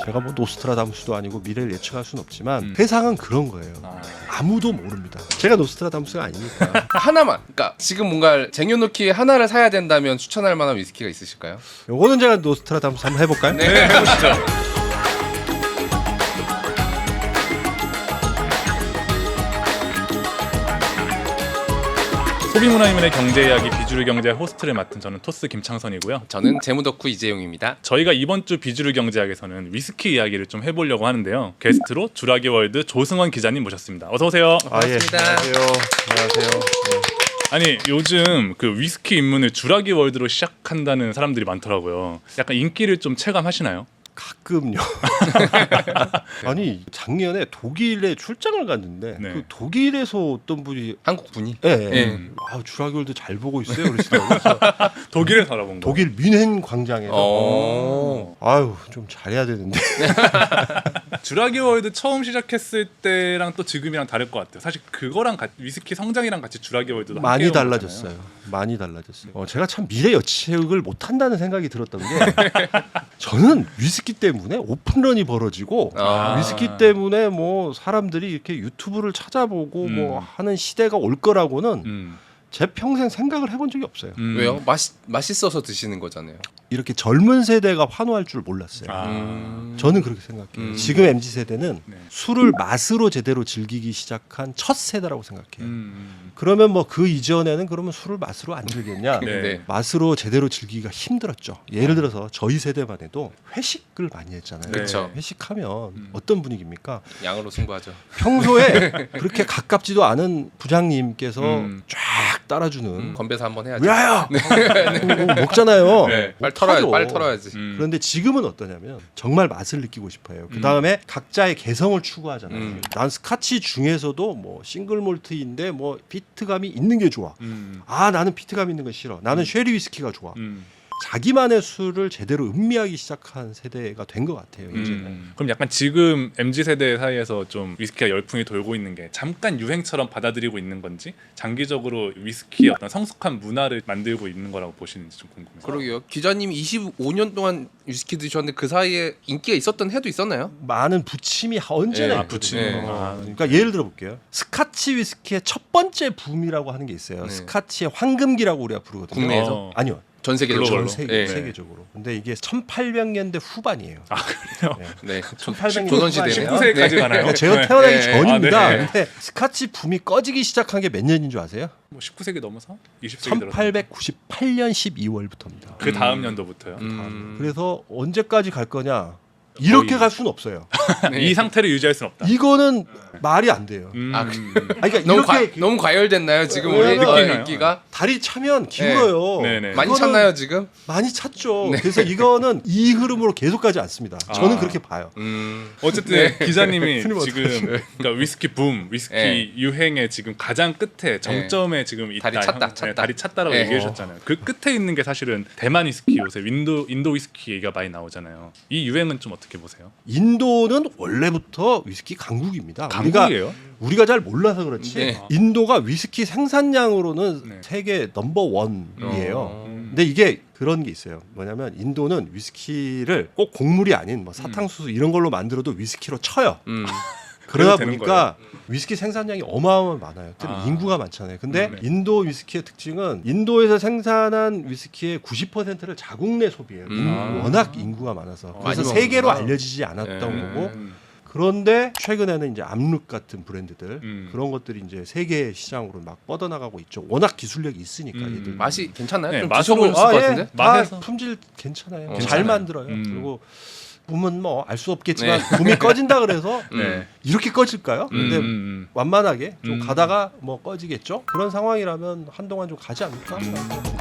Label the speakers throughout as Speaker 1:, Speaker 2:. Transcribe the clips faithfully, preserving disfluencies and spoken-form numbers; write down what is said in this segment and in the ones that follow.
Speaker 1: 제가 뭐 노스트라다무스도 아니고 미래를 예측할 수는 없지만
Speaker 2: 음.
Speaker 1: 세상은 그런 거예요.
Speaker 2: 아.
Speaker 1: 아무도 모릅니다. 제가 노스트라다무스가 아니니까.
Speaker 3: 하나만. 그러니까 지금 뭔가 쟁여놓기 하나를 사야 된다면 추천할 만한 위스키가 있으실까요?
Speaker 1: 요거는 제가 노스트라다무스 한번 해볼까요?
Speaker 3: 네, 해보시죠.
Speaker 2: 소비문화인문의 경제 이야기 비주류 경제 호스트를 맡은 저는 토스 김창선이고요.
Speaker 3: 저는 재무덕후 이재용입니다.
Speaker 2: 저희가 이번 주 비주류 경제학에서는 위스키 이야기를 좀 해보려고 하는데요. 게스트로 주라기 월드 조승원 기자님 모셨습니다. 어서 오세요.
Speaker 1: 아, 예.
Speaker 3: 반갑습니다.
Speaker 1: 안녕하세요. 안녕하세요. 네.
Speaker 2: 아니 요즘 그 위스키 입문을 주라기 월드로 시작한다는 사람들이 많더라고요. 약간 인기를 좀 체감하시나요?
Speaker 1: 가끔요. 아니 작년에 독일에 출장을 갔는데
Speaker 2: 네.
Speaker 1: 그 독일에서 어떤 분이
Speaker 3: 한국 분이.
Speaker 1: 예,
Speaker 3: 예.
Speaker 1: 예. 아 주라기월드 잘 보고 있어요. 그러시더라고요. 그래서
Speaker 2: 독일에 살아본 거.
Speaker 1: 독일 뮌헨 광장에서
Speaker 3: 어.
Speaker 1: 아유 좀 잘해야 되는데
Speaker 2: 주라기 월드 처음 시작했을 때랑 또 지금이랑 다를 것 같아요. 사실 그거랑 같이 위스키 성장이랑 같이 주라기 월드도
Speaker 1: 많이
Speaker 2: 함께
Speaker 1: 달라졌어요. 많이 달라졌어요. 어, 제가 참 미래 예측을 못 한다는 생각이 들었던 게 저는 위스키 때문에 오픈런이 벌어지고
Speaker 3: 아.
Speaker 1: 위스키 때문에 뭐 사람들이 이렇게 유튜브를 찾아보고
Speaker 2: 음.
Speaker 1: 뭐 하는 시대가 올 거라고는
Speaker 2: 음.
Speaker 1: 제 평생 생각을 해본 적이 없어요.
Speaker 2: 음.
Speaker 3: 왜요? 맛 맛있어서 드시는 거잖아요.
Speaker 1: 이렇게 젊은 세대가 환호할 줄 몰랐어요.
Speaker 2: 아.
Speaker 3: 음.
Speaker 1: 저는 그렇게 생각해요.
Speaker 3: 음.
Speaker 1: 지금 엠지 세대는
Speaker 2: 네.
Speaker 1: 술을 맛으로 제대로 즐기기 시작한 첫 세대라고 생각해요.
Speaker 2: 음.
Speaker 1: 그러면 뭐 그 이전에는 그러면 술을 맛으로 안 즐겼냐?
Speaker 2: 네.
Speaker 3: 네.
Speaker 1: 맛으로 제대로 즐기기가 힘들었죠. 예를 들어서 저희 세대만 해도 회식을 많이 했잖아요.
Speaker 2: 네.
Speaker 3: 그쵸.
Speaker 1: 회식하면
Speaker 2: 음.
Speaker 1: 어떤 분위기입니까?
Speaker 3: 양으로 승부하죠.
Speaker 1: 평소에 그렇게 가깝지도 않은 부장님께서
Speaker 2: 음.
Speaker 1: 쫙 따라주는
Speaker 3: 음, 건배사 한번 해야죠.
Speaker 1: 왜요? 먹잖아요.
Speaker 2: 네.
Speaker 3: 빨리 털어야지.
Speaker 1: 못하죠.
Speaker 3: 빨리 털어야지.
Speaker 2: 음.
Speaker 1: 그런데 지금은 어떠냐면 정말 맛을 느끼고 싶어요. 그 다음에 각자의 개성을 추구하잖아요.
Speaker 3: 음.
Speaker 1: 난 스카치 중에서도 뭐 싱글 몰트인데 뭐 피트감이 있는 게 좋아.
Speaker 2: 음.
Speaker 1: 아 나는 피트감 있는 거 싫어. 나는 쉐리 위스키가 좋아.
Speaker 2: 음.
Speaker 1: 자기만의 술을 제대로 음미하기 시작한 세대가 된 것 같아요. 이제는.
Speaker 2: 음. 그럼 약간 지금 엠지 세대 사이에서 좀 위스키가 열풍이 돌고 있는 게 잠깐 유행처럼 받아들이고 있는 건지 장기적으로 위스키의 어떤 성숙한 문화를 만들고 있는 거라고 보시는지 좀 궁금해요.
Speaker 3: 그러게요. 기자님이 이십오 년 동안 위스키 드셨는데 그 사이에 인기가 있었던 해도 있었나요?
Speaker 1: 많은 부침이 언제나
Speaker 3: 네,
Speaker 2: 아,
Speaker 1: 있거든요.
Speaker 2: 부침.
Speaker 3: 네.
Speaker 1: 어, 그러니까 예를 들어 볼게요. 스카치 위스키의 첫 번째 붐이라고 하는 게 있어요.
Speaker 3: 네.
Speaker 1: 스카치의 황금기라고 우리가 부르거든요.
Speaker 3: 국내에서?
Speaker 2: 어.
Speaker 1: 아니요.
Speaker 3: 전 세계적으로.
Speaker 1: 전
Speaker 2: 글로벌로?
Speaker 1: 세계,
Speaker 3: 네.
Speaker 1: 세계적으로. 근데 이게 천팔백 년대 후반이에요.
Speaker 2: 아 그래요?
Speaker 1: 네.
Speaker 3: 네.
Speaker 1: 천팔백 년
Speaker 3: 조선 시대네요.
Speaker 2: 십구 세기까지 가나요?
Speaker 1: 그러니까 제가
Speaker 2: 네.
Speaker 1: 태어나기
Speaker 3: 네.
Speaker 1: 전입니다.
Speaker 2: 아, 네.
Speaker 1: 근데 스카치 붐이 꺼지기 시작한 게 몇 년인 줄 아세요?
Speaker 2: 뭐 십구 세기 넘어서 이십 세기 들어서
Speaker 1: 천팔백구십팔 년 십이월부터입니다.
Speaker 2: 그 다음
Speaker 3: 음.
Speaker 2: 연도부터요.
Speaker 3: 음.
Speaker 1: 그래서 언제까지 갈 거냐? 이렇게
Speaker 2: 거의.
Speaker 1: 갈 수는 없어요.
Speaker 3: 네.
Speaker 2: 이 상태를 유지할 수는 없다.
Speaker 1: 이거는 말이 안 돼요.
Speaker 2: 음.
Speaker 3: 아,
Speaker 1: 아니, 그러니까
Speaker 3: 너무
Speaker 1: 이렇게
Speaker 3: 과, 너무 과열됐나요 지금 우리
Speaker 1: 왜냐면-
Speaker 3: 어,
Speaker 2: 느끼나요?
Speaker 3: 인기가?
Speaker 1: 다리 차면 기울어요.
Speaker 2: 네. 네네.
Speaker 3: 많이
Speaker 1: 그거는
Speaker 3: 찼나요 지금?
Speaker 1: 많이 찼죠. 그래서 이거는 이 흐름으로 계속 가지 않습니다. 저는
Speaker 2: 아.
Speaker 1: 그렇게 봐요.
Speaker 3: 음.
Speaker 2: 어쨌든 기자님이
Speaker 1: 스님
Speaker 2: 지금 그러니까 위스키 붐, 위스키
Speaker 3: 네.
Speaker 2: 유행의 지금 가장 끝에 정점에 지금 있다.
Speaker 3: 다리 찼다,
Speaker 2: 형-
Speaker 3: 찼다.
Speaker 2: 네, 다리 찼다라고
Speaker 3: 네.
Speaker 2: 얘기해 주셨잖아요. 그 끝에 있는 게 사실은 대만 위스키 요새 인도 인도 위스키 얘기가 많이 나오잖아요. 이 유행은 좀 어떻게 보세요?
Speaker 1: 인도는 원래부터 위스키 강국입니다. 우리가
Speaker 2: 강국이에요?
Speaker 1: 우리가 잘 몰라서 그렇지.
Speaker 3: 네.
Speaker 1: 인도가 위스키 생산량으로는
Speaker 2: 네.
Speaker 1: 세계 넘버 원이에요.
Speaker 3: 어.
Speaker 1: 근데 이게 그런 게 있어요. 뭐냐면 인도는 위스키를 꼭 곡물이 아닌 뭐 사탕수수 이런 걸로 만들어도 위스키로 쳐요.
Speaker 3: 음.
Speaker 1: 그러다
Speaker 2: 그래도 되는
Speaker 1: 보니까 위스키 생산량이 어마어마하게 많아요. 특히
Speaker 2: 아.
Speaker 1: 인구가 많잖아요. 근데
Speaker 2: 음, 네.
Speaker 1: 인도 위스키의 특징은 인도에서 생산한 위스키의 구십 퍼센트를 자국 내 소비해요.
Speaker 3: 음.
Speaker 1: 인-
Speaker 2: 아.
Speaker 1: 워낙 인구가 많아서.
Speaker 2: 어,
Speaker 1: 그래서
Speaker 3: 많이
Speaker 1: 세계로
Speaker 3: 먹는구나.
Speaker 1: 알려지지 않았던
Speaker 3: 네.
Speaker 1: 거고.
Speaker 2: 음.
Speaker 1: 그런데 최근에는 이제 암룩 같은 브랜드들
Speaker 2: 음.
Speaker 1: 그런 것들이 이제 세계 시장으로 막 뻗어나가고 있죠. 워낙 기술력이 있으니까
Speaker 2: 음.
Speaker 1: 얘들.
Speaker 3: 맛이 괜찮나요?
Speaker 2: 네,
Speaker 3: 좀
Speaker 2: 맛으로-
Speaker 3: 드셔보셨을
Speaker 1: 아,
Speaker 3: 것
Speaker 1: 예.
Speaker 3: 같은데?
Speaker 1: 다
Speaker 2: 맛에서?
Speaker 1: 품질 괜찮아요.
Speaker 3: 어,
Speaker 1: 잘
Speaker 3: 괜찮아요.
Speaker 1: 만들어요.
Speaker 2: 음.
Speaker 1: 그리고 보면 뭐 알 수 없겠지만 붐이 꺼진다 그래서
Speaker 3: 음.
Speaker 2: 네.
Speaker 1: 이렇게 꺼질까요? 근데
Speaker 2: 음, 음,
Speaker 1: 완만하게 좀
Speaker 2: 음.
Speaker 1: 가다가 뭐 꺼지겠죠. 그런 상황이라면 한동안 좀 가지 않을까?
Speaker 2: 음.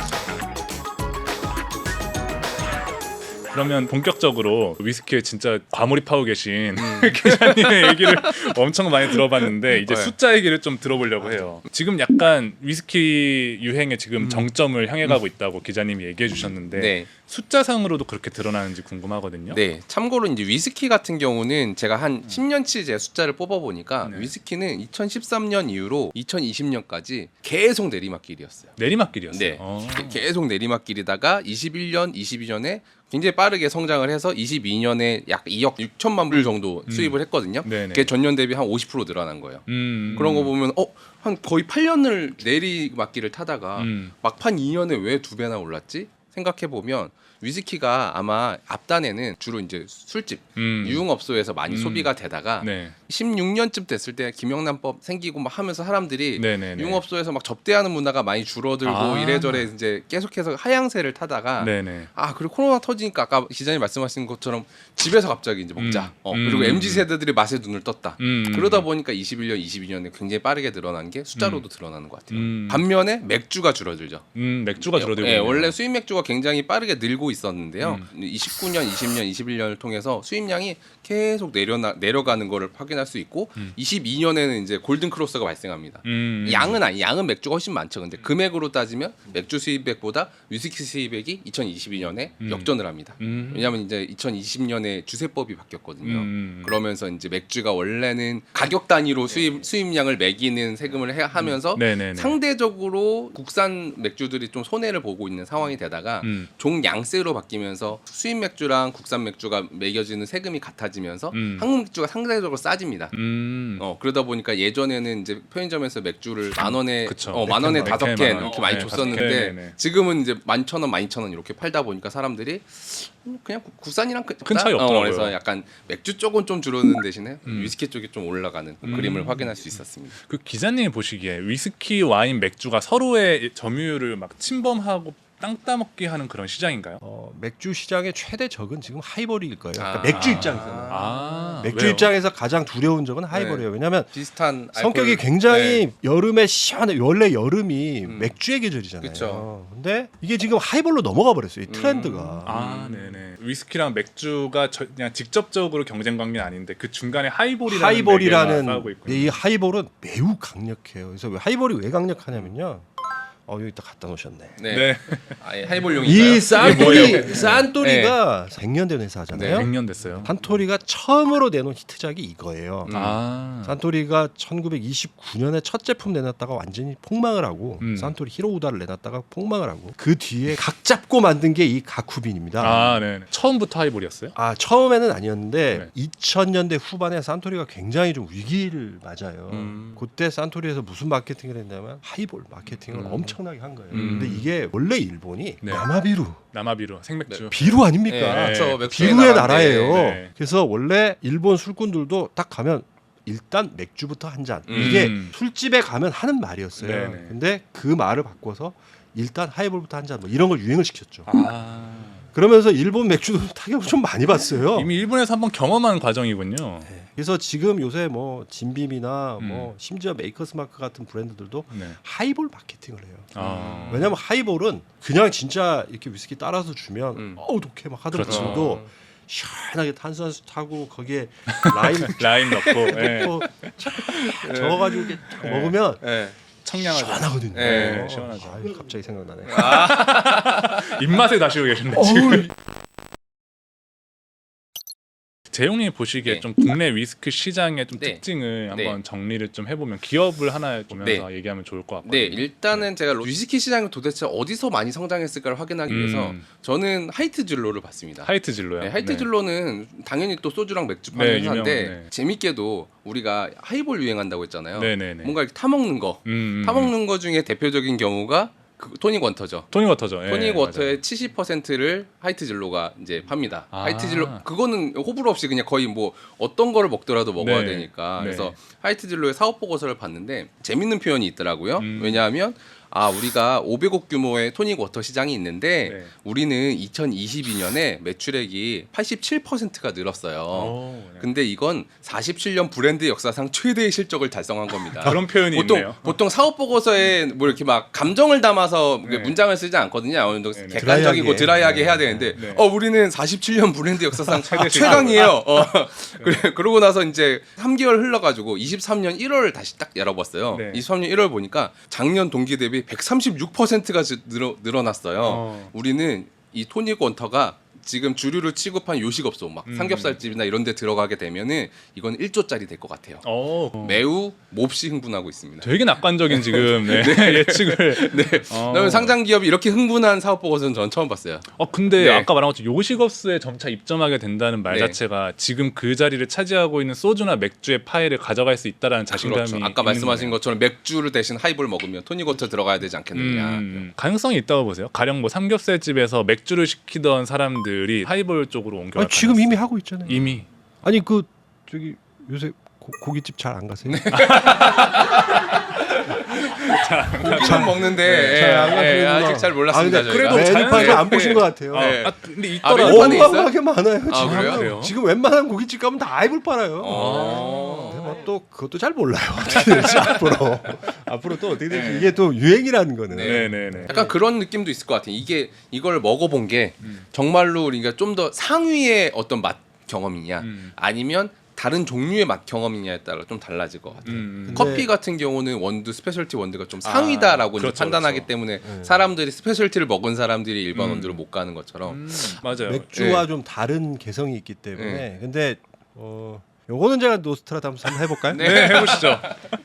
Speaker 2: 그러면 본격적으로 위스키에 진짜 과몰입하고 계신 기자님의 얘기를 엄청 많이 들어봤는데 이제
Speaker 3: 네.
Speaker 2: 숫자 얘기를 좀 들어보려고 해요. 지금 약간 위스키 유행의 지금 정점을 향해 가고 있다고 기자님이 얘기해 주셨는데
Speaker 3: 네.
Speaker 2: 숫자상으로도 그렇게 드러나는지 궁금하거든요.
Speaker 3: 네, 참고로 이제 위스키 같은 경우는 제가 한 십 년치 제 숫자를 뽑아 보니까
Speaker 2: 네.
Speaker 3: 위스키는 이천십삼 년 이후로 이천이십 년까지 계속 내리막길이었어요.
Speaker 2: 내리막길이었어요.
Speaker 3: 네,
Speaker 2: 어.
Speaker 3: 계속 내리막길이다가 이십일 년, 이십이 년에 굉장히 빠르게 성장을 해서 이십이 년에 약 이억 육천만 불 정도
Speaker 2: 음.
Speaker 3: 수입을 했거든요.
Speaker 2: 네네.
Speaker 3: 그게 전년 대비 한 오십 퍼센트 늘어난 거예요.
Speaker 2: 음.
Speaker 3: 그런 거 보면 어, 한 거의 팔 년을 내리막길을 타다가
Speaker 2: 음.
Speaker 3: 막판 이 년에 왜 두 배나 올랐지? 생각해 보면 위스키가 아마 앞단에는 주로 이제 술집,
Speaker 2: 음.
Speaker 3: 유흥업소에서 많이
Speaker 2: 음.
Speaker 3: 소비가 되다가
Speaker 2: 네.
Speaker 3: 십육 년쯤 됐을 때 김영란법 생기고 막 하면서 사람들이
Speaker 2: 네네네.
Speaker 3: 유흥업소에서 막 접대하는 문화가 많이 줄어들고
Speaker 2: 아.
Speaker 3: 이래저래 이제 계속해서 하향세를 타다가
Speaker 2: 네네.
Speaker 3: 아 그리고 코로나 터지니까 아까 기자님 말씀하신 것처럼 집에서 갑자기 이제 먹자.
Speaker 2: 음.
Speaker 3: 어,
Speaker 2: 음.
Speaker 3: 그리고 엠지 세대들이 맛에 눈을 떴다.
Speaker 2: 음.
Speaker 3: 그러다 보니까 이십일 년, 이십이 년에 굉장히 빠르게 늘어난 게 숫자로도 드러나는 것 같아요.
Speaker 2: 음.
Speaker 3: 반면에 맥주가 줄어들죠.
Speaker 2: 음, 맥주가 줄어들고
Speaker 3: 예,
Speaker 2: 있네요.
Speaker 3: 원래 수입 맥주가 굉장히 빠르게 늘고 있었는데요.
Speaker 2: 음.
Speaker 3: 이십구 년, 이십 년, 이십일 년을 통해서 수입량이 계속 내려나, 내려가는 거를 확인할 수 있고
Speaker 2: 음.
Speaker 3: 이십이 년에는 이제 골든 크로스가 발생합니다.
Speaker 2: 음.
Speaker 3: 양은 아니, 양은 맥주가 훨씬 많죠. 근데 금액으로 따지면 맥주 수입액보다 위스키 수입액이 이천이십이 년에
Speaker 2: 음.
Speaker 3: 역전을 합니다.
Speaker 2: 음.
Speaker 3: 왜냐하면 이제 이천이십 년에 주세법이 바뀌었거든요.
Speaker 2: 음.
Speaker 3: 그러면서 이제 맥주가 원래는 가격 단위로 수입 수입량을 매기는 세금을 해, 하면서
Speaker 2: 네네네.
Speaker 3: 상대적으로 국산 맥주들이 좀 손해를 보고 있는 상황이 되다가
Speaker 2: 음.
Speaker 3: 종양세로 바뀌면서 수입 맥주랑 국산 맥주가 매겨지는 세금이 같아지면서
Speaker 2: 음.
Speaker 3: 한국 맥주가 상대적으로 싸집니다.
Speaker 2: 음.
Speaker 3: 어 그러다 보니까 예전에는 이제 편의점에서 맥주를 만 원에
Speaker 2: 그쵸.
Speaker 3: 어, 만 원에
Speaker 2: 네
Speaker 3: 다섯
Speaker 2: 캔,
Speaker 3: 캔
Speaker 2: 만 원.
Speaker 3: 이렇게 많이
Speaker 2: 네,
Speaker 3: 줬었는데
Speaker 2: 다섯 캔. 네네.
Speaker 3: 지금은 이제 만 천 원, 만 이천 원 이렇게 팔다 보니까 사람들이 음, 그냥 국- 국산이랑 큰,
Speaker 2: 큰 차이 없더라고요.
Speaker 3: 어, 그래서 약간 맥주 쪽은 좀 줄어드는 대신에
Speaker 2: 음.
Speaker 3: 위스키 쪽이 좀 올라가는
Speaker 2: 음.
Speaker 3: 그림을 확인할 수 있었습니다.
Speaker 2: 그 기자님이 보시기에 위스키, 와인, 맥주가 서로의 점유율을 막 침범하고 땅 따먹기 하는 그런 시장인가요?
Speaker 1: 어, 맥주 시장의 최대 적은 지금 하이볼일 거예요. 그러니까
Speaker 3: 아.
Speaker 1: 맥주 입장에서는.
Speaker 2: 아,
Speaker 1: 맥주
Speaker 2: 왜요?
Speaker 1: 입장에서 가장 두려운 적은 하이볼이에요. 왜냐하면
Speaker 3: 비슷한
Speaker 1: 성격이
Speaker 3: 알코올-
Speaker 1: 굉장히
Speaker 3: 네.
Speaker 1: 여름에 시원해. 원래 여름이
Speaker 3: 음.
Speaker 1: 맥주의 계절이잖아요.
Speaker 3: 그쵸.
Speaker 1: 근데 이게 지금 하이볼로 넘어가 버렸어요. 이 트렌드가.
Speaker 3: 음.
Speaker 2: 아, 네네. 위스키랑 맥주가 저, 그냥 직접적으로 경쟁 관계는 아닌데 그 중간에 하이볼이라는
Speaker 1: 하이볼이라는
Speaker 2: 매개가 싸우고 있군요.
Speaker 1: 이 하이볼은 매우 강력해요. 그래서 왜 하이볼이 왜 강력하냐면요. 어 여기 딱 갖다 놓으셨네.
Speaker 3: 네.
Speaker 2: 네.
Speaker 3: 아예 하이볼용인가요?
Speaker 1: 이
Speaker 3: 뭐예요?
Speaker 1: 산토리 산토리가 생년된 회사잖아요.
Speaker 2: 백 년 됐어요.
Speaker 1: 산토리가 처음으로 내놓은 히트작이 이거예요.
Speaker 3: 음.
Speaker 2: 아.
Speaker 1: 산토리가 천구백이십구 년에 첫 제품 내놨다가 완전히 폭망을 하고
Speaker 2: 음.
Speaker 1: 산토리 히로우다를 내놨다가 폭망을 하고 그 뒤에 각 잡고 만든 게 이 가쿠빈입니다.
Speaker 2: 아, 네. 처음부터 하이볼이었어요?
Speaker 1: 아 처음에는 아니었는데
Speaker 2: 네.
Speaker 1: 이천 년대 후반에 산토리가 굉장히 좀 위기를 맞아요.
Speaker 2: 음.
Speaker 1: 그때 산토리에서 무슨 마케팅을 했냐면 하이볼 마케팅을
Speaker 3: 음.
Speaker 1: 엄청나게 한 거예요.
Speaker 2: 음.
Speaker 1: 근데 이게 원래 일본이
Speaker 2: 네.
Speaker 1: 야마비루
Speaker 2: 남아비루 생맥주.
Speaker 3: 네.
Speaker 1: 비루 아닙니까?
Speaker 2: 네.
Speaker 3: 그렇죠. 맥주의
Speaker 1: 비루의
Speaker 3: 나라인데.
Speaker 1: 나라예요.
Speaker 2: 네.
Speaker 1: 그래서 원래 일본 술꾼들도 딱 가면 일단 맥주부터 한 잔.
Speaker 2: 음.
Speaker 1: 이게 술집에 가면 하는 말이었어요.
Speaker 2: 네네.
Speaker 1: 근데 그 말을 바꿔서 일단 하이볼부터 한 잔 뭐 이런 걸 유행을 시켰죠.
Speaker 2: 아.
Speaker 1: 그러면서 일본 맥주도 타격을 좀 많이 봤어요.
Speaker 2: 이미 일본에서 한번 경험한 과정이군요.
Speaker 1: 네. 그래서 지금 요새 뭐 진빔이나
Speaker 2: 음.
Speaker 1: 뭐 심지어 메이커스 마크 같은 브랜드들도
Speaker 2: 네.
Speaker 1: 하이볼 마케팅을 해요.
Speaker 2: 아.
Speaker 1: 왜냐면 하이볼은 그냥 진짜 이렇게 위스키 따라서 주면
Speaker 3: 음.
Speaker 1: 어우 독해 막 하더라도
Speaker 2: 그렇죠.
Speaker 1: 시원하게 탄산수 타고 거기에 라임
Speaker 2: 라임 넣고 네.
Speaker 1: 넣고 착 저어가지고 이렇게 딱
Speaker 2: 네.
Speaker 1: 먹으면
Speaker 2: 네. 청량하죠.
Speaker 1: 시원하거든요.
Speaker 3: 네,
Speaker 1: 어,
Speaker 2: 시원하죠.
Speaker 1: 아유, 갑자기 생각나네.
Speaker 2: 입맛에 다시고 계신데
Speaker 1: 어우,
Speaker 2: 지금. 재용님이 보시기에
Speaker 3: 네.
Speaker 2: 좀 국내 위스키 시장의 좀
Speaker 3: 네.
Speaker 2: 특징을
Speaker 3: 네.
Speaker 2: 한번 정리를 좀 해보면 기업을 하나 보면서 얘기하면 좋을 것 같거든요.
Speaker 3: 네, 일단은 제가 위스키 시장이 도대체 어디서 많이 성장했을까를 확인하기 위해서
Speaker 2: 음.
Speaker 3: 저는 하이트 진로를 봤습니다.
Speaker 2: 하이트 진로요.
Speaker 3: 네, 하이트
Speaker 2: 네.
Speaker 3: 진로는 당연히 또 소주랑 맥주 파는
Speaker 2: 네,
Speaker 3: 회사인데
Speaker 2: 유명한, 네.
Speaker 3: 재밌게도 우리가 하이볼 유행한다고 했잖아요.
Speaker 2: 네네네.
Speaker 3: 뭔가 이렇게 타 먹는 거,
Speaker 2: 음, 음,
Speaker 3: 타
Speaker 2: 음.
Speaker 3: 먹는 거 중에 대표적인 경우가 그 토닉 워터죠.
Speaker 2: 토닉 워터죠. 예,
Speaker 3: 토닉 워터의
Speaker 2: 맞아요.
Speaker 3: 칠십 퍼센트를 하이트 진로가 이제 팝니다.
Speaker 2: 아.
Speaker 3: 하이트 진로 그거는 호불호 없이 그냥 거의 뭐 어떤 거를 먹더라도 먹어야
Speaker 2: 네.
Speaker 3: 되니까.
Speaker 2: 네.
Speaker 3: 그래서 하이트 진로의 사업 보고서를 봤는데 재밌는 표현이 있더라고요.
Speaker 2: 음.
Speaker 3: 왜냐하면 아 우리가 오백억 규모의 토닉 워터 시장이 있는데
Speaker 2: 네.
Speaker 3: 우리는 이천이십이 년에 매출액이 팔십칠 퍼센트가 늘었어요.
Speaker 2: 오, 네.
Speaker 3: 근데 이건 사십칠 년 브랜드 역사상 최대의 실적을 달성한 겁니다.
Speaker 2: 그런 표현이
Speaker 3: 보통
Speaker 2: 있네요.
Speaker 3: 보통 사업 보고서에 뭐 이렇게 막 감정을 담아서
Speaker 2: 네.
Speaker 3: 문장을 쓰지 않거든요. 어느 정도
Speaker 2: 네, 네.
Speaker 3: 객관적이고
Speaker 1: 드라이하게.
Speaker 3: 드라이하게
Speaker 1: 네.
Speaker 3: 해야 되는데
Speaker 2: 네.
Speaker 3: 어 우리는 사십칠 년 브랜드 역사상
Speaker 2: 최대
Speaker 3: 최강이에요. 어. 그래, 그러고 나서 이제 삼 개월 흘러가지고 이십삼 년 일월을 다시 딱 열어봤어요.
Speaker 2: 네.
Speaker 3: 이십삼 년 일월 보니까 작년 동기 대비 백삼십육 퍼센트가 늘어, 늘어났어요.
Speaker 2: 어.
Speaker 3: 우리는 이 토닉 원터가 지금 주류를 취급한 요식업소 막
Speaker 2: 음.
Speaker 3: 삼겹살집이나 이런 데 들어가게 되면은 이건 일 조짜리 될 것 같아요.
Speaker 2: 어.
Speaker 3: 매우 몹시 흥분하고 있습니다.
Speaker 2: 되게 낙관적인 지금 네. 예측을.
Speaker 3: 네.
Speaker 2: 어.
Speaker 3: 그다음에 상장 기업이 이렇게 흥분한 사업 보고서는 전 처음 봤어요.
Speaker 2: 어 근데
Speaker 3: 네.
Speaker 2: 아까 말한 것처럼 요식업소에 점차 입점하게 된다는 말
Speaker 3: 네.
Speaker 2: 자체가 지금 그 자리를 차지하고 있는 소주나 맥주의 파이를 가져갈 수 있다라는 자신감이
Speaker 3: 그렇죠. 아까
Speaker 2: 있는
Speaker 3: 말씀하신
Speaker 2: 거네요.
Speaker 3: 것처럼 맥주를 대신 하이볼 먹으면 토닉워터 들어가야 되지 않겠느냐.
Speaker 2: 음, 가능성이 있다고 보세요. 가령 뭐 삼겹살집에서 맥주를 시키던 사람들이 하이볼 쪽으로 옮겨갈
Speaker 1: 아니, 지금
Speaker 2: 가능성.
Speaker 1: 이미 하고 있잖아요.
Speaker 2: 이미
Speaker 1: 아니 그 저기 요새 고, 고깃집 잘 안 가세요?
Speaker 3: 고기는 먹는데
Speaker 1: 잘 안
Speaker 3: 예, 예,
Speaker 1: 가시는구나.
Speaker 3: 아직 잘 몰랐습니다.
Speaker 1: 아, 근데
Speaker 3: 저희가.
Speaker 2: 그래도
Speaker 1: 메뉴판을
Speaker 2: 자연스럽게-
Speaker 1: 안 보신 것 같아요.
Speaker 2: 아,
Speaker 3: 네.
Speaker 2: 아, 근데
Speaker 3: 아,
Speaker 2: 있더라고요.
Speaker 3: 메뉴판에 있어요?
Speaker 1: 어마어마하게 많아요.
Speaker 3: 아,
Speaker 1: 지금.
Speaker 3: 그래요?
Speaker 2: 그래요?
Speaker 1: 지금 웬만한 고깃집 가면 다 아이볼 팔아요.
Speaker 3: 어.
Speaker 1: 근데 뭐 또 그것도 잘 몰라요. 어떻게 될지 앞으로 앞으로 또 어떻게 될지 이게 또 유행이라는 거는.
Speaker 3: 네.
Speaker 2: 네네네.
Speaker 3: 약간 그런 느낌도 있을 것 같아요. 이게 이걸 먹어본 게
Speaker 2: 음.
Speaker 3: 정말로 우리가 좀 더 상위의 어떤 맛 경험이냐
Speaker 2: 음.
Speaker 3: 아니면 다른 종류의 맛 경험이냐에 따라 좀 달라질 것 같아요.
Speaker 2: 음.
Speaker 1: 근데-
Speaker 3: 커피 같은 경우는 원두 스페셜티 원두가 좀 상위다라고
Speaker 2: 아,
Speaker 3: 이제
Speaker 2: 그렇죠,
Speaker 3: 판단하기
Speaker 2: 그렇죠.
Speaker 3: 때문에
Speaker 1: 네.
Speaker 3: 사람들이 스페셜티를 먹은 사람들이 일반
Speaker 2: 음.
Speaker 3: 원두를 못 가는 것처럼
Speaker 2: 음, 맞아요.
Speaker 1: 맥주와
Speaker 3: 네.
Speaker 1: 좀 다른 개성이 있기 때문에.
Speaker 3: 네.
Speaker 1: 근데 어 요거는 제가 노스트라다무스 한번 해볼까요?
Speaker 3: 네.
Speaker 2: 네, 해보시죠.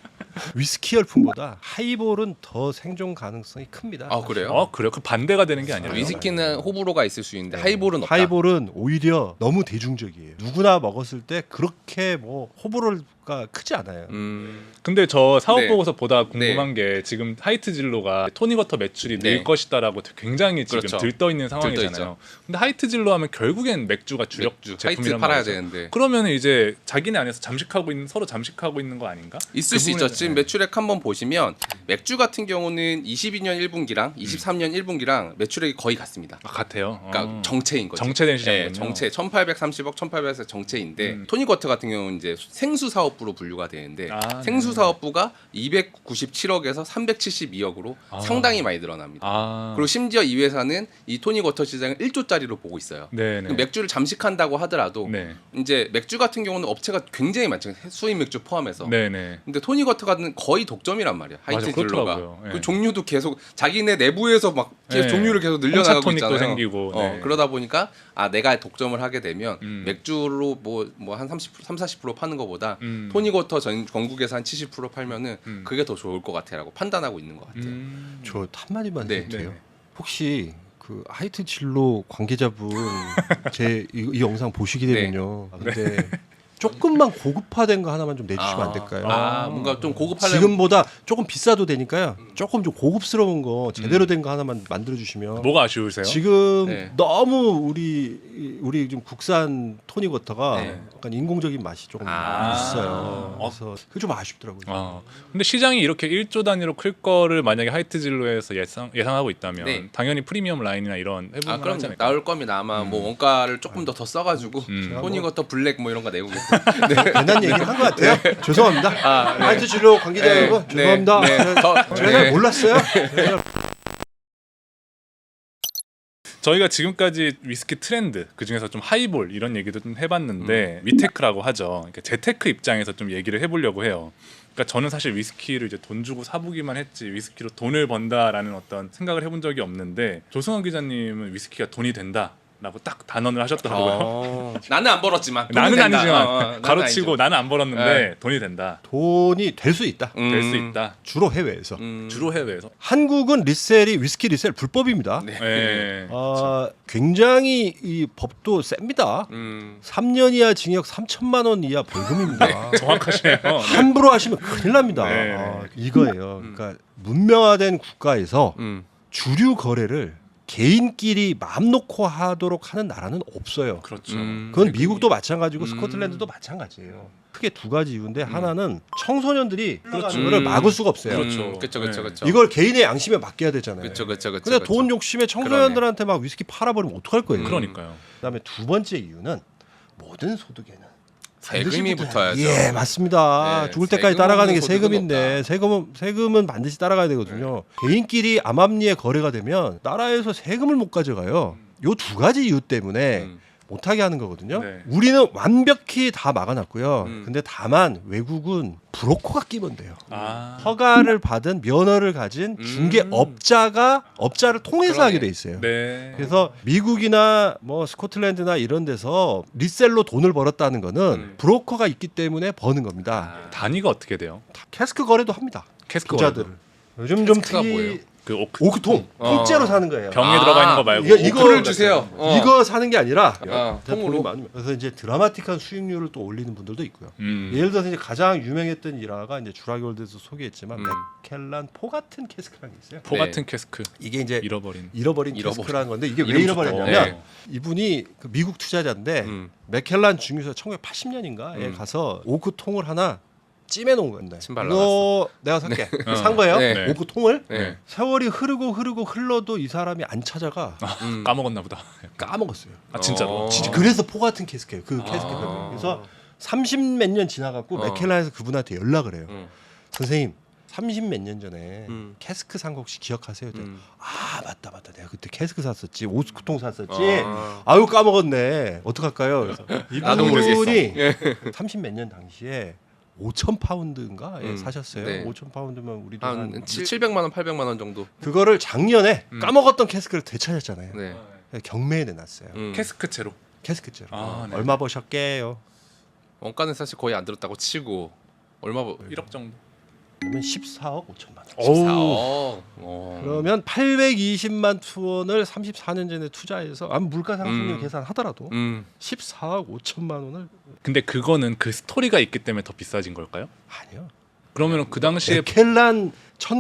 Speaker 1: 위스키 열풍보다 하이볼은 더 생존 가능성이 큽니다.
Speaker 3: 아 그래요?
Speaker 2: 어 그래요? 그 반대가 되는 게 아니라.
Speaker 3: 위스키는 호불호가 있을 수 있는데
Speaker 1: 네.
Speaker 3: 하이볼은 없다.
Speaker 1: 하이볼은 오히려 너무 대중적이에요. 누구나 먹었을 때 그렇게 뭐 호불호가 크지 않아요.
Speaker 3: 음,
Speaker 2: 근데 저 사업
Speaker 3: 네.
Speaker 2: 보고서 보다 궁금한 게 지금 하이트 진로가 토닉워터 매출이
Speaker 3: 네.
Speaker 2: 늘 것이다라고 굉장히 지금
Speaker 3: 그렇죠.
Speaker 2: 들떠 있는 상황이잖아요.
Speaker 3: 들떠있죠.
Speaker 2: 근데 하이트 진로 하면 결국엔 맥주가 주력
Speaker 3: 맥주, 하이트
Speaker 2: 제품이란
Speaker 3: 팔아야
Speaker 2: 말이죠.
Speaker 3: 되는데
Speaker 2: 그러면 이제 자기네 안에서 잠식하고 있는 서로 잠식하고 있는 거 아닌가?
Speaker 3: 있을
Speaker 2: 그
Speaker 3: 수 있죠.
Speaker 2: 부분에-
Speaker 3: 지금
Speaker 2: 네.
Speaker 3: 매출액 한번 보시면 맥주 같은 경우는 이십이 년 일 분기랑 이십삼 년 일 분기랑 매출액이 거의 같습니다.
Speaker 2: 아, 같아요.
Speaker 3: 그러니까
Speaker 2: 어.
Speaker 3: 정체인 거죠.
Speaker 2: 정체된 시장이군요.
Speaker 3: 네, 정체 천팔백삼십억, 천팔백억 정체인데
Speaker 2: 음.
Speaker 3: 토닉워터 같은 경우는 이제 생수 사업부로 분류가 되는데
Speaker 2: 아,
Speaker 3: 생수
Speaker 2: 네.
Speaker 3: 사업부가 이백구십칠억에서 삼백칠십이억으로
Speaker 2: 아.
Speaker 3: 상당히 많이 늘어납니다.
Speaker 2: 아.
Speaker 3: 그리고 심지어 이 회사는 이 토닉워터 시장을 일 조짜리로 보고 있어요.
Speaker 2: 네네.
Speaker 3: 그 맥주를 잠식한다고 하더라도
Speaker 2: 네.
Speaker 3: 이제 맥주 같은 경우는 업체가 굉장히 많죠. 수입 맥주 포함해서.
Speaker 2: 네네.
Speaker 3: 근데 토닉워터는 거의 독점이란 말이야. 하이트
Speaker 2: 맞아,
Speaker 3: 딜러가.
Speaker 2: 그렇더라고요. 예.
Speaker 3: 그 종류도 계속 자기네 내부에서 막 계속
Speaker 2: 예.
Speaker 3: 종류를 계속 늘려나가고
Speaker 2: 홍차 토닉도
Speaker 3: 있잖아요.
Speaker 2: 생기고,
Speaker 3: 어,
Speaker 2: 네.
Speaker 3: 그러다 보니까 아 내가 독점을 하게 되면
Speaker 2: 음.
Speaker 3: 맥주로 뭐 뭐 한 삼십, 사십 퍼센트 파는 것보다
Speaker 2: 음.
Speaker 3: 토닉워터 전 전국에서 한 칠십 퍼센트 팔면은
Speaker 2: 음.
Speaker 3: 그게 더 좋을 것 같아라고 판단하고 있는 것 같아요.
Speaker 2: 음.
Speaker 1: 저 한마디만
Speaker 3: 네.
Speaker 1: 해도 돼요.
Speaker 2: 네.
Speaker 1: 혹시 그 하이트 진로 관계자분 제 이 영상 보시게 되면요. 아, 근데 조금만 고급화된 거 하나만 좀 내주시면 안 될까요?
Speaker 3: 아,
Speaker 2: 아.
Speaker 3: 뭔가 좀 고급하려면
Speaker 1: 지금보다 조금 비싸도 되니까요. 조금 좀 고급스러운 거 제대로 된 거 하나만 만들어 주시면.
Speaker 2: 뭐가 아쉬우세요?
Speaker 1: 지금
Speaker 3: 네.
Speaker 1: 너무 우리 우리 좀 국산 토닉워터가
Speaker 3: 네.
Speaker 1: 약간 인공적인 맛이 조금
Speaker 3: 아.
Speaker 1: 있어요.
Speaker 2: 어.
Speaker 1: 그래서 그게 좀 아쉽더라고요.
Speaker 2: 아, 근데 시장이 이렇게 일 조 단위로 클 거를 만약에 하이트 진로에서 예상 예상하고 있다면
Speaker 3: 네.
Speaker 2: 당연히 프리미엄 라인이나 이런
Speaker 3: 아
Speaker 2: 해보면
Speaker 3: 그럼
Speaker 2: 하지 않을까?
Speaker 3: 나올 겁니다. 아마 뭐 원가를 조금 더 더 써가지고
Speaker 2: 음.
Speaker 3: 토닉워터 블랙 뭐 이런 거 내고
Speaker 1: 괜한 얘기를 한 것 같아요. 죄송합니다.
Speaker 3: 아, 네.
Speaker 1: 하이트 진로 관계자
Speaker 3: 네,
Speaker 1: 여러분
Speaker 3: 네,
Speaker 1: 죄송합니다.
Speaker 3: 네,
Speaker 1: 제가
Speaker 3: 더-
Speaker 1: 제가
Speaker 3: 네.
Speaker 1: 잘 몰랐어요.
Speaker 2: 저희가 지금까지 위스키 트렌드 그 중에서 좀 하이볼 이런 얘기도 좀
Speaker 3: 음.
Speaker 2: 해봤는데 위테크라고 하죠. 그러니까 재테크 입장에서 좀 얘기를 해보려고 해요. 그러니까 저는 사실 위스키를 이제 돈 주고 사보기만 했지 위스키로 돈을 번다라는 어떤 생각을 해본 적이 없는데 조승원 기자님은 위스키가 돈이 된다라고 딱 단언을 하셨더라고요.
Speaker 3: 어, 나는 안 벌었지만 돈은
Speaker 2: 나는
Speaker 3: 된다.
Speaker 2: 아니지만
Speaker 3: 어, 어, 나는
Speaker 2: 가로치고
Speaker 3: 아니죠.
Speaker 2: 나는 안 벌었는데
Speaker 3: 네.
Speaker 2: 돈이 된다.
Speaker 1: 돈이 될 수 있다.
Speaker 3: 음,
Speaker 2: 될 수 있다.
Speaker 1: 주로 해외에서.
Speaker 3: 음,
Speaker 2: 주로 해외에서.
Speaker 1: 한국은 리셀이 위스키 리셀 불법입니다.
Speaker 3: 네.
Speaker 2: 예.
Speaker 1: 아, 굉장히 이 법도 셉니다.
Speaker 3: 음,
Speaker 1: 삼 년 이하 징역 삼천만 원 이하 벌금입니다.
Speaker 2: 정확하시네요. 네.
Speaker 1: 함부로 하시면 큰일 납니다.
Speaker 2: 네,
Speaker 1: 아, 이거예요. 그러니까 문명화된 국가에서
Speaker 3: 음.
Speaker 1: 주류 거래를 개인끼리 마음 놓고 하도록 하는 나라는 없어요.
Speaker 2: 그렇죠.
Speaker 3: 음.
Speaker 1: 그건 미국도 마찬가지고
Speaker 3: 음.
Speaker 1: 스코틀랜드도 마찬가지예요. 크게 두 가지 이유인데 하나는 청소년들이
Speaker 2: 그렇죠.
Speaker 1: 그거를 막을 수가 없어요.
Speaker 2: 그렇죠.
Speaker 3: 그렇죠, 그렇죠,
Speaker 2: 네.
Speaker 3: 그렇죠.
Speaker 1: 이걸 개인의 양심에 맡겨야 되잖아요.
Speaker 3: 그렇죠, 그렇죠, 그렇죠.
Speaker 1: 근데 돈 욕심에 청소년들한테 막 위스키 팔아버리면 어떡할 거예요.
Speaker 3: 음.
Speaker 2: 그러니까요.
Speaker 1: 그다음에 두 번째 이유는 모든 소득에는
Speaker 3: 세금이
Speaker 1: 반드시
Speaker 3: 붙어야죠.
Speaker 1: 예, 맞습니다.
Speaker 3: 네,
Speaker 1: 죽을 때까지
Speaker 3: 세금
Speaker 1: 따라가는 게
Speaker 3: 없는 소득은
Speaker 1: 세금인데
Speaker 3: 없다.
Speaker 1: 세금은 세금은 반드시 따라가야 되거든요. 개인끼리 암암리에 거래가 되면 나라에서 세금을 못 가져가요. 요 두 가지 이유 때문에
Speaker 3: 음.
Speaker 1: 못하게 하는 거거든요.
Speaker 2: 네.
Speaker 1: 우리는 완벽히 다 막아놨고요.
Speaker 3: 음.
Speaker 1: 근데 다만 외국은 브로커가 끼면 돼요.
Speaker 2: 아.
Speaker 1: 허가를 받은 면허를 가진
Speaker 3: 음.
Speaker 1: 중개업자가 업자를 통해서
Speaker 3: 그러네.
Speaker 1: 하게 돼 있어요.
Speaker 2: 네.
Speaker 1: 그래서 미국이나 뭐 스코틀랜드나 이런 데서 리셀로 돈을 벌었다는 거는
Speaker 3: 음.
Speaker 1: 브로커가 있기 때문에 버는 겁니다.
Speaker 3: 아.
Speaker 2: 단위가 어떻게 돼요?
Speaker 1: 다 캐스크 거래도 합니다.
Speaker 2: 캐스크
Speaker 1: 부자들.
Speaker 2: 거래도.
Speaker 1: 요즘 좀
Speaker 3: 캐스크가
Speaker 1: 특이
Speaker 3: 뭐예요?
Speaker 2: 그 오크
Speaker 1: 오크통
Speaker 3: 어.
Speaker 1: 통째로 사는 거예요.
Speaker 2: 병에
Speaker 3: 아,
Speaker 2: 들어가 있는 거 말고
Speaker 1: 이거- 이거-
Speaker 3: 오크를 주세요. 어.
Speaker 1: 이거 사는 게 아니라
Speaker 3: 어,
Speaker 1: 돈이
Speaker 3: 통으로.
Speaker 1: 많으면 그래서 이제 드라마틱한 수익률을 또 올리는 분들도 있고요.
Speaker 2: 음.
Speaker 1: 예를 들어서 이제 가장 유명했던 일화가 이제 주라기월드에서 소개했지만
Speaker 3: 음.
Speaker 1: 맥켈란 포 같은 캐스크라는 게 있어요.
Speaker 2: 포
Speaker 3: 네.
Speaker 2: 같은 캐스크
Speaker 1: 이게 이제
Speaker 2: 잃어버린.
Speaker 1: 잃어버린
Speaker 3: 잃어버린.
Speaker 1: 캐스크라는 건데 이게 왜
Speaker 3: 이름
Speaker 1: 잃어버렸냐면
Speaker 3: 좋다.
Speaker 1: 이분이 그 미국 투자자인데
Speaker 3: 음.
Speaker 1: 맥켈란 중유소 천구백팔십 년인가에
Speaker 3: 음.
Speaker 1: 가서 오크 통을 하나 찜해 놓은 건데
Speaker 3: 침
Speaker 1: 이거 내가 살게
Speaker 2: 어.
Speaker 1: 산 거예요.
Speaker 3: 네.
Speaker 1: 오크 통을
Speaker 3: 네.
Speaker 1: 세월이 흐르고 흐르고 흘러도 이 사람이 안 찾아가
Speaker 3: 음.
Speaker 2: 까먹었나 보다.
Speaker 1: 까먹었어요.
Speaker 2: 아 진짜로.
Speaker 3: 어.
Speaker 1: 진짜 그래서 포 같은 캐스크예요. 그
Speaker 2: 아.
Speaker 1: 캐스크거든요. 그래서 삼십 몇 년 지나갖고
Speaker 3: 어.
Speaker 1: 맥켈란에서 그분한테 연락을 해요.
Speaker 3: 음.
Speaker 1: 선생님 삼십 몇 년 전에
Speaker 3: 음.
Speaker 1: 캐스크 산 거 혹시 기억하세요?
Speaker 3: 음.
Speaker 1: 아 맞다 맞다 내가 그때 캐스크 샀었지 오스크통 샀었지
Speaker 3: 아.
Speaker 1: 아유 까먹었네 어떡할까요? 그래서
Speaker 3: 나도 모르겠어.
Speaker 1: 이분이
Speaker 3: 예.
Speaker 1: 삼십 몇 년 당시에 오천 파운드인가 에
Speaker 3: 음.
Speaker 1: 사셨어요.
Speaker 3: 네.
Speaker 1: 오천 파운드면 우리도
Speaker 3: 한
Speaker 1: 한
Speaker 3: 칠- 칠백만 원, 팔백만 원 정도.
Speaker 1: 그거를 작년에
Speaker 3: 음.
Speaker 1: 까먹었던 캐스크를 되찾았잖아요.
Speaker 3: 네.
Speaker 1: 경매에 내놨어요.
Speaker 3: 음.
Speaker 2: 캐스크채로.
Speaker 1: 캐스크죠.
Speaker 2: 아, 네.
Speaker 1: 얼마 버셨게요?
Speaker 3: 원가는 사실 거의 안 들었다고 치고 얼마 버?
Speaker 2: 일억 정도.
Speaker 1: 그러면 십사억 오천만 원.
Speaker 2: 어우.
Speaker 3: 십사억. 어.
Speaker 1: 그러면 팔백이십만 투원을 삼십사 년 전에 투자해서 아무 물가 상승률
Speaker 3: 음.
Speaker 1: 계산하더라도
Speaker 3: 음.
Speaker 1: 십사억 오천만 원을
Speaker 2: 근데 그거는 그 스토리가 있기 때문에 더 비싸진 걸까요?
Speaker 1: 아니요.
Speaker 2: 그러면 그 당시에
Speaker 1: 맥켈란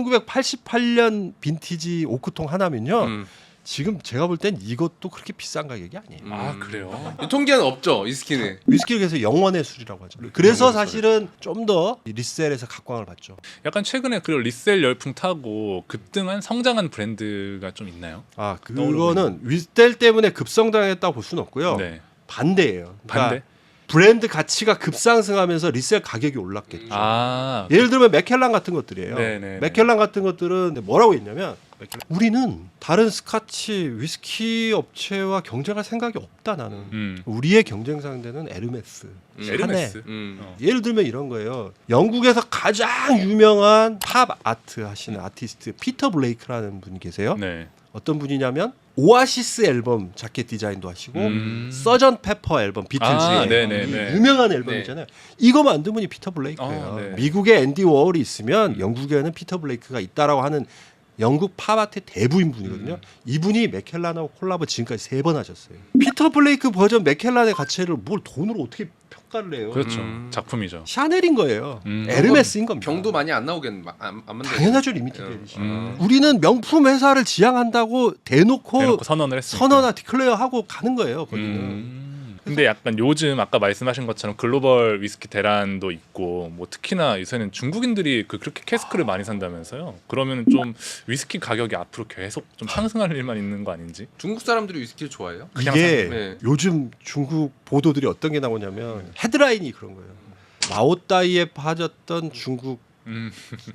Speaker 1: 천구백팔십팔 년 빈티지 오크통 하나면요.
Speaker 3: 음.
Speaker 1: 지금 제가 볼 땐 이것도 그렇게 비싼 가격이 아니에요.
Speaker 3: 음.
Speaker 2: 아 그래요?
Speaker 3: 유통기한 없죠 위스키는.
Speaker 1: 위스키를 그래서 영원의 술이라고 하죠. 그래서 사실은 좀 더 리셀에서 각광을 받죠.
Speaker 2: 약간 최근에 그 리셀 열풍 타고 급등한 성장한 브랜드가 좀 있나요?
Speaker 1: 아
Speaker 2: 떠오르고
Speaker 1: 그거는 리셀 때문에 급성장했다고 볼 수는 없고요.
Speaker 2: 네.
Speaker 1: 반대예요. 그러니까
Speaker 2: 반대.
Speaker 1: 브랜드 가치가 급상승하면서 리셀 가격이 올랐겠죠.
Speaker 2: 아
Speaker 1: 예를 들면 맥켈란 같은 것들이에요.
Speaker 2: 네네.
Speaker 1: 맥켈란 같은 것들은 뭐라고 했냐면 맥켈란, 우리는 다른 스카치 위스키 업체와 경쟁할 생각이 없다 나는.
Speaker 2: 음.
Speaker 1: 우리의 경쟁 상대는 에르메스,
Speaker 3: 음.
Speaker 1: 샤넬.
Speaker 2: 에르메스.
Speaker 3: 음.
Speaker 2: 어.
Speaker 1: 예를 들면 이런 거예요. 영국에서 가장 유명한 팝 아트 하시는 아티스트 피터 블레이크라는 분이 계세요.
Speaker 2: 네.
Speaker 1: 어떤 분이냐면 오아시스 앨범 자켓 디자인도 하시고
Speaker 2: 음.
Speaker 1: 서전 페퍼 앨범 비틀즈의
Speaker 2: 아, 네네네.
Speaker 1: 유명한 앨범
Speaker 3: 네.
Speaker 1: 있잖아요. 이거 만든 분이 피터 블레이크예요.
Speaker 2: 어, 네.
Speaker 1: 미국에 앤디 워홀이 있으면 영국에는 피터 블레이크가 있다라고 하는 영국 팝아트의 대부인 분이거든요.
Speaker 2: 음.
Speaker 1: 이분이 맥켈란하고 콜라보 지금까지 세 번 하셨어요. 피터 블레이크 버전 맥켈란의 가치를 뭘 돈으로 어떻게 평가를 해요?
Speaker 2: 그렇죠.
Speaker 3: 음.
Speaker 2: 작품이죠.
Speaker 1: 샤넬인 거예요.
Speaker 2: 음.
Speaker 1: 에르메스인 겁니다.
Speaker 3: 병도 많이 안 나오겠 안, 안 만들.
Speaker 1: 당연하죠 리미티드
Speaker 3: 음.
Speaker 1: 에디션.
Speaker 2: 음.
Speaker 1: 우리는 명품 회사를 지향한다고 대놓고,
Speaker 2: 대놓고 선언을 했으니까.
Speaker 1: 선언하 디클레어하고 가는 거예요. 거기는.
Speaker 2: 음. 근데 약간 요즘 아까 말씀하신 것처럼 글로벌 위스키 대란도 있고 뭐 특히나 요새는 중국인들이 그 그렇게 캐스크를 많이 산다면서요. 그러면 좀 위스키 가격이 앞으로 계속 좀 상승할 일만 있는 거 아닌지?
Speaker 3: 중국 사람들이 위스키를 좋아해요?
Speaker 2: 그냥
Speaker 1: 이게
Speaker 3: 네.
Speaker 1: 요즘 중국 보도들이 어떤 게 나오냐면 헤드라인이 그런 거예요. 마오따이에 빠졌던 중국
Speaker 2: 음.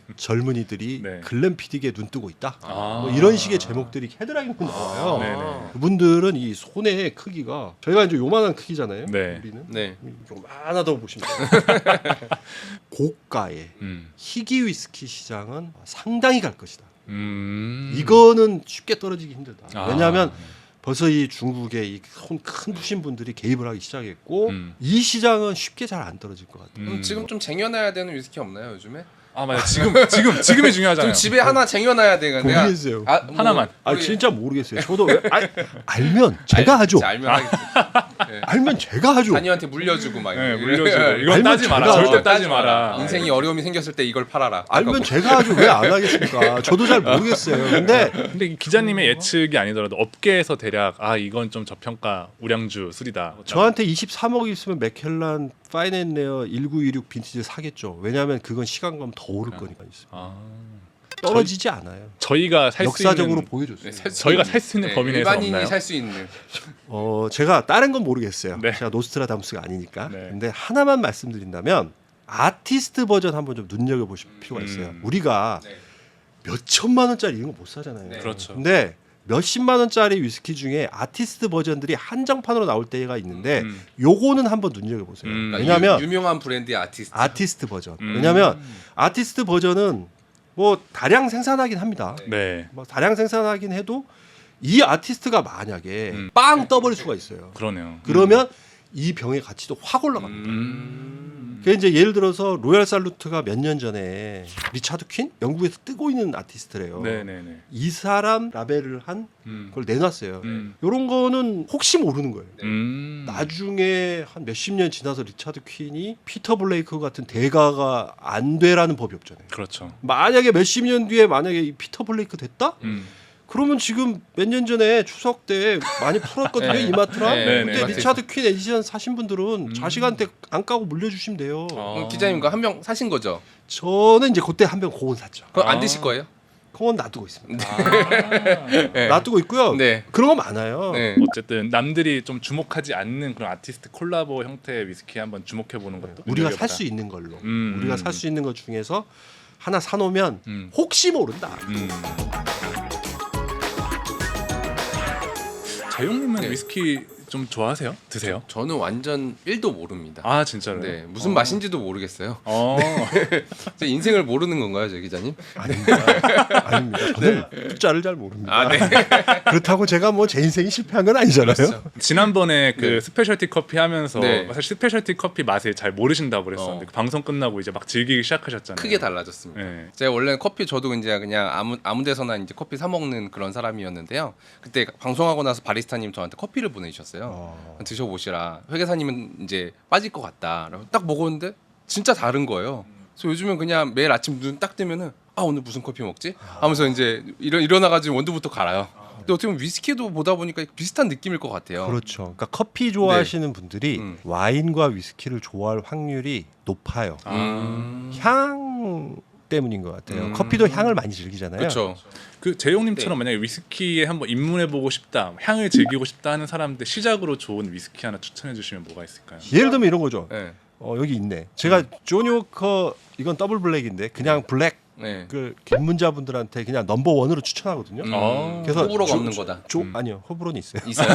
Speaker 1: 젊은이들이
Speaker 2: 네.
Speaker 1: 글램피딕에 눈 뜨고 있다.
Speaker 2: 아.
Speaker 1: 뭐 이런 식의 제목들이 헤드라인으로 나와요.
Speaker 2: 네네.
Speaker 1: 그분들은 이 손의 크기가 저희가 이제 요만한 크기잖아요.
Speaker 2: 네.
Speaker 1: 우리는
Speaker 3: 네.
Speaker 1: 요만하다고 보시면 돼요. 고가의
Speaker 2: 음.
Speaker 1: 희귀 위스키 시장은 상당히 갈 것이다.
Speaker 2: 음.
Speaker 1: 이거는 쉽게 떨어지기 힘들다.
Speaker 2: 아.
Speaker 1: 왜냐하면 벌써 이 중국의 이 손 큰 푸신 분들이 개입을 하기 시작했고
Speaker 2: 음.
Speaker 1: 이 시장은 쉽게 잘 안 떨어질 것 같아요.
Speaker 3: 그럼
Speaker 2: 음.
Speaker 3: 지금 좀 쟁여놔야 되는 위스키 없나요 요즘에?
Speaker 2: 아 맞아. 지금 지금 지금이 중요하잖아요.
Speaker 3: 좀 집에 하나 쟁여놔야 되는데.
Speaker 1: 모르겠어요.
Speaker 3: 아, 뭐,
Speaker 2: 하나만.
Speaker 1: 아
Speaker 3: 우리-
Speaker 1: 진짜 모르겠어요. 저도 알, 알면 제가
Speaker 3: 알-
Speaker 1: 하죠.
Speaker 3: 진짜 알면 하겠지. 네.
Speaker 1: 알면 제가 하죠.
Speaker 3: 단위한테 물려주고 막.
Speaker 2: 네,
Speaker 3: 이렇게.
Speaker 2: 물려주고 이건
Speaker 1: 알면
Speaker 2: 따지 마라.
Speaker 1: 제가
Speaker 2: 절대
Speaker 1: 하죠.
Speaker 2: 따지 마라.
Speaker 3: 인생이 어려움이 생겼을 때 이걸 팔아라.
Speaker 1: 알면 제가 하죠. 왜 안 하겠습니까? 저도 잘 모르겠어요. 근데
Speaker 2: 근데 이 기자님의 예측이 아니더라도 업계에서 대략 아 이건 좀 저평가 우량주 술이다.
Speaker 1: 저한테 이십삼억 있으면 맥켈란 파인앤레어 천구백이십육 빈티지 사겠죠. 왜냐하면 그건 시간 가면 더 오를 거니까 있어요.
Speaker 2: 아,
Speaker 1: 떨어지지 않아요.
Speaker 2: 저희가 살 수
Speaker 1: 역사적으로
Speaker 2: 있는
Speaker 1: 보여줬어요.
Speaker 3: 네, 살 수
Speaker 2: 저희가
Speaker 3: 있는-
Speaker 2: 살 수 있는 범위 내에서
Speaker 3: 일반인이
Speaker 2: 없나요?
Speaker 3: 살 수 있는.
Speaker 1: 어 제가 다른 건 모르겠어요.
Speaker 2: 네.
Speaker 1: 제가 노스트라다무스가 아니니까.
Speaker 2: 네.
Speaker 1: 근데 하나만 말씀드린다면 아티스트 버전 한번 좀 눈여겨 보실 필요가 있어요.
Speaker 2: 음.
Speaker 1: 우리가
Speaker 3: 네.
Speaker 1: 몇 천만 원짜리 이런 거 못 사잖아요.
Speaker 3: 네.
Speaker 2: 그렇죠.
Speaker 1: 근데 몇십만 원짜리 위스키 중에 아티스트 버전들이 한정판으로 나올 때가 있는데
Speaker 2: 음.
Speaker 1: 요거는 한번 눈여겨 보세요.
Speaker 2: 음.
Speaker 1: 왜냐하면
Speaker 3: 유, 유명한 브랜드의 아티스트.
Speaker 1: 아티스트 버전.
Speaker 2: 음.
Speaker 1: 왜냐하면 아티스트 버전은 뭐 다량 생산하긴 합니다.
Speaker 2: 네.
Speaker 1: 뭐 다량 생산하긴 해도 이 아티스트가 만약에
Speaker 2: 음.
Speaker 1: 빵 떠버릴 수가 있어요.
Speaker 2: 그러네요.
Speaker 1: 그러면 이 병의 가치도 확 올라갑니다.
Speaker 2: 음.
Speaker 1: 그 이제 예를 들어서 로얄 살루트가 몇 년 전에 리차드 퀸 영국에서 뜨고 있는 아티스트래요.
Speaker 2: 네네네.
Speaker 1: 이 사람 라벨을 한
Speaker 2: 음.
Speaker 1: 그걸 내놨어요.
Speaker 2: 음.
Speaker 1: 이런 거는 혹시 모르는 거예요.
Speaker 2: 음.
Speaker 1: 나중에 한 몇십 년 지나서 리차드 퀸이 피터 블레이크 같은 대가가 안 되라는 법이 없잖아요.
Speaker 2: 그렇죠.
Speaker 1: 만약에 몇십 년 뒤에 만약에 이 피터 블레이크 됐다?
Speaker 2: 음.
Speaker 1: 그러면 지금 몇 년 전에 추석 때 많이 풀었거든요.
Speaker 3: 네.
Speaker 1: 이마트랑.
Speaker 3: 네,
Speaker 2: 네,
Speaker 1: 근데
Speaker 2: 네.
Speaker 1: 리차드 퀸 에디션 사신 분들은
Speaker 2: 음.
Speaker 1: 자식한테 안 까고 물려주시면 돼요.
Speaker 2: 어.
Speaker 3: 그럼 기자님과 한 병 사신 거죠?
Speaker 1: 저는 이제 그때 한 병 고온 샀죠.
Speaker 3: 그거 안
Speaker 2: 아.
Speaker 3: 드실 거예요?
Speaker 1: 그건 놔두고 있습니다.
Speaker 2: 아.
Speaker 3: 네.
Speaker 1: 놔두고 있고요.
Speaker 3: 네.
Speaker 1: 그런 거 많아요.
Speaker 3: 네.
Speaker 2: 어쨌든 남들이 좀 주목하지 않는 그런 아티스트 콜라보 형태의 위스키 한번 주목해 보는 것도
Speaker 1: 우리가
Speaker 2: 눈여겨보다.
Speaker 1: 살 수 있는 걸로.
Speaker 2: 음.
Speaker 1: 우리가 살 수 있는 것 중에서 하나 사놓으면
Speaker 2: 음.
Speaker 1: 혹시 모른다.
Speaker 2: 음. 재용님은
Speaker 3: 네.
Speaker 2: 위스키 좀 좋아하세요? 드세요?
Speaker 3: 저는 완전 일도 모릅니다.
Speaker 2: 아 진짜로요?
Speaker 3: 네, 무슨
Speaker 2: 어.
Speaker 3: 맛인지도 모르겠어요.
Speaker 2: 어.
Speaker 3: 제 인생을 모르는 건가요, 저 기자님?
Speaker 1: 아닙니다. 아닙니다. 저는 숫자를 잘 모릅니다.
Speaker 3: 아, 네.
Speaker 1: 그렇다고 제가 뭐 제 인생이 실패한 건 아니잖아요.
Speaker 3: 그렇죠.
Speaker 2: 지난번에 그
Speaker 3: 네.
Speaker 2: 스페셜티 커피 하면서
Speaker 3: 네.
Speaker 2: 사실 스페셜티 커피 맛을 잘 모르신다고 그랬었는데
Speaker 3: 어.
Speaker 2: 그 방송 끝나고 이제 막 즐기기 시작하셨잖아요.
Speaker 3: 크게 달라졌습니다.
Speaker 2: 네.
Speaker 3: 제가 원래 커피 저도 이제 그냥 아무 아무 데서나 이제 커피 사 먹는 그런 사람이었는데요. 그때 방송하고 나서 바리스타님 저한테 커피를 보내주셨어요.
Speaker 1: 어.
Speaker 3: 드셔보시라. 회계사님은 이제 빠질 것 같다. 그래서 딱 먹었는데 진짜 다른 거예요. 그래서 요즘은 그냥 매일 아침 눈 딱 뜨면은 아 오늘 무슨 커피 먹지? 하면서 이제 일어 일어나가지고 원두부터 갈아요. 근데 어떻게 보면 위스키도 보다 보니까 비슷한 느낌일 것 같아요.
Speaker 1: 그렇죠. 그러니까 커피 좋아하시는 분들이
Speaker 3: 음.
Speaker 1: 와인과 위스키를 좋아할 확률이 높아요.
Speaker 2: 아.
Speaker 3: 음.
Speaker 1: 향 때문인 것 같아요.
Speaker 3: 음.
Speaker 1: 커피도 향을 많이 즐기잖아요.
Speaker 3: 그렇죠.
Speaker 2: 그 재용님처럼
Speaker 3: 네.
Speaker 2: 만약에 위스키에 한번 입문해 보고 싶다, 향을 즐기고 싶다 하는 사람들 시작으로 좋은 위스키 하나 추천해 주시면 뭐가 있을까요?
Speaker 1: 예를 들면 이런 거죠.
Speaker 3: 네.
Speaker 1: 어, 여기 있네. 제가 조니 워커 이건 더블 블랙인데 그냥 블랙
Speaker 3: 네.
Speaker 1: 그 입문자분들한테 그냥 넘버 원으로 추천하거든요.
Speaker 3: 음.
Speaker 2: 아.
Speaker 1: 그래서
Speaker 3: 호불호가
Speaker 1: 조-
Speaker 3: 없는 거다.
Speaker 1: 조,
Speaker 2: 음.
Speaker 1: 아니요 호불호는 있어요.
Speaker 3: 있어요?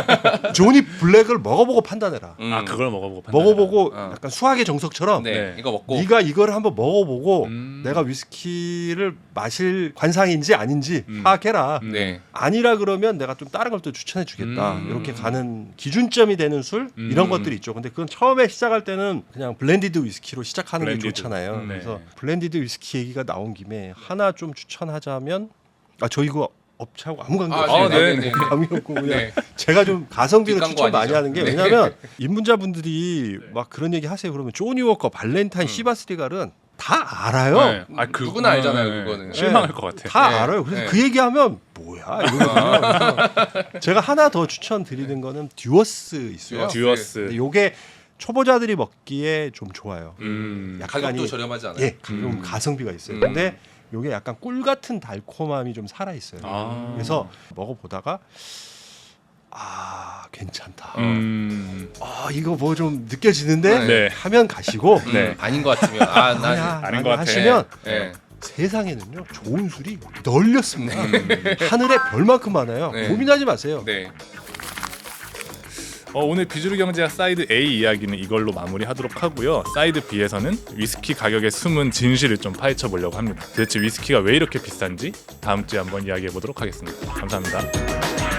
Speaker 1: 조니 블랙을 먹어보고 판단해라.
Speaker 3: 음.
Speaker 2: 아 그걸 먹어보고 판단해라.
Speaker 1: 먹어보고
Speaker 3: 어.
Speaker 1: 약간 수학의 정석처럼
Speaker 3: 네.
Speaker 2: 네.
Speaker 3: 이거 먹고
Speaker 1: 네가 이걸 한번 먹어보고
Speaker 2: 음.
Speaker 1: 내가 위스키를 마실 관상인지 아닌지
Speaker 2: 음.
Speaker 1: 파악해라.
Speaker 2: 음.
Speaker 3: 네.
Speaker 1: 아니라 그러면 내가 좀 다른 걸 또 추천해 주겠다.
Speaker 2: 음.
Speaker 1: 이렇게 가는 기준점이 되는 술
Speaker 2: 음.
Speaker 1: 이런 것들이 있죠. 근데 그건 처음에 시작할 때는 그냥 블렌디드 위스키로 시작하는
Speaker 2: 블렌디드.
Speaker 1: 게 좋잖아요.
Speaker 2: 음, 네.
Speaker 1: 그래서 블렌디드 위스키 얘기가 나온 김에 하나 좀 추천하자면 아 저 이거 업체하고 아무 관계
Speaker 3: 아,
Speaker 1: 없어요.
Speaker 2: 네, 네,
Speaker 3: 네.
Speaker 1: 감이 없고 그냥
Speaker 3: 네.
Speaker 1: 제가 좀 가성비로
Speaker 3: 뒷광고
Speaker 1: 추천 많이
Speaker 3: 아니죠?
Speaker 1: 하는 게
Speaker 3: 네.
Speaker 1: 왜냐하면 입문자분들이 막 그런 얘기 하세요. 그러면 조니 워커, 발렌타인,
Speaker 3: 음.
Speaker 1: 시바스리갈은 다 알아요.
Speaker 2: 네. 아, 그,
Speaker 3: 누구나 알잖아요,
Speaker 2: 네.
Speaker 3: 그거는.
Speaker 2: 실망할 것 같아.
Speaker 1: 다
Speaker 3: 네.
Speaker 1: 알아요. 그래서
Speaker 3: 네.
Speaker 1: 그 얘기하면 뭐야 이러거든요. 그래서 제가 하나 더 추천드리는 거는 듀어스 있어요.
Speaker 3: 듀어스.
Speaker 2: 듀어스.
Speaker 1: 근데 요게 초보자들이 먹기에 좀 좋아요.
Speaker 2: 음.
Speaker 1: 약간이
Speaker 3: 가격도 저렴하지 않아요?
Speaker 1: 예, 좀
Speaker 2: 음.
Speaker 1: 가성비가 있어요.
Speaker 3: 음.
Speaker 1: 근데 요게 약간 꿀 같은 달콤함이 좀 살아 있어요.
Speaker 2: 아.
Speaker 1: 그래서 먹어보다가 아 괜찮다.
Speaker 2: 음.
Speaker 1: 아 이거 뭐 좀 느껴지는데
Speaker 2: 네.
Speaker 1: 하면 가시고
Speaker 3: 음,
Speaker 2: 네.
Speaker 3: 아닌 것 같으면 아, 나
Speaker 1: 아니야
Speaker 2: 아닌
Speaker 1: 아니,
Speaker 2: 것 같아.
Speaker 1: 하시면
Speaker 3: 네.
Speaker 1: 세상에는요 좋은 술이 널렸습니다.
Speaker 2: 음.
Speaker 1: 하늘에 별만큼 많아요.
Speaker 3: 네.
Speaker 1: 고민하지 마세요.
Speaker 3: 네.
Speaker 2: 어, 오늘 비주류 경제학 사이드 A 이야기는 이걸로 마무리하도록 하고요. 사이드 B에서는 위스키 가격의 숨은 진실을 좀 파헤쳐 보려고 합니다. 도대체 위스키가 왜 이렇게 비싼지 다음 주에 한번 이야기해 보도록 하겠습니다. 감사합니다.